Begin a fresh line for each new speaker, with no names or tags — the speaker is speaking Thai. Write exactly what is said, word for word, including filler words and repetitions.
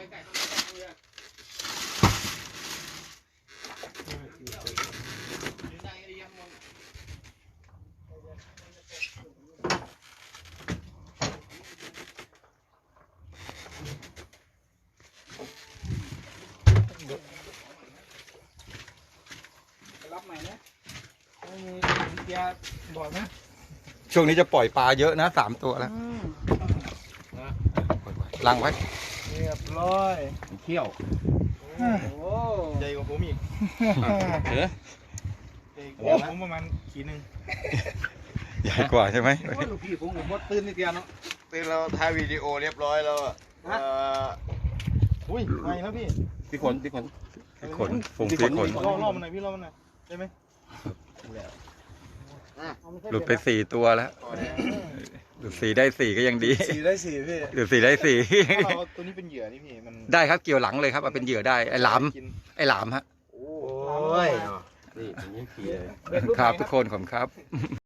รับใหม่นะไม่มีเกียร์บอกนะ
ช่วงนี้จะปล่อยปลาเยอะนะสามตัวแล้วลังไว้
เรียบร้อย
เขี้ยว
โอ้
ใหญ่กว่าผมอีก
เออ
โอ้ผมประมาณขีดหนึ่ง
ใหญ่กว่าใช่ไหม
ลูกพี่ผมผมมดตื่นนิดเดียวเนาะ
ตื่นเราถ่ายวิดีโอเรียบร้อยแล้วอ่ะอุ้ยไม่นะพี่พี่ขนพี่ขน
พี่ขนฟงพี่ขน
ล่อล่อมันหน่อยพี่ล่อมันหน่อยได้ไหม
หลุดไปสี่ตัวแล้วหลุดสี่ได้สี่ก็ยังดี
สี่ได้สี่พี่
หลุดสี่ได้สี่
เราตัวนี้เป็นเหยื่อนี่พี่มัน
ได้ครับเกี่ยวหลังเลยครับเอาเป็นเหยื่อได้ไอ้หลามไอ้หลามฮะ
โอ้ยนี่อย่างนี้ขี่เลย
ครับทุกคนขอบคุณครับ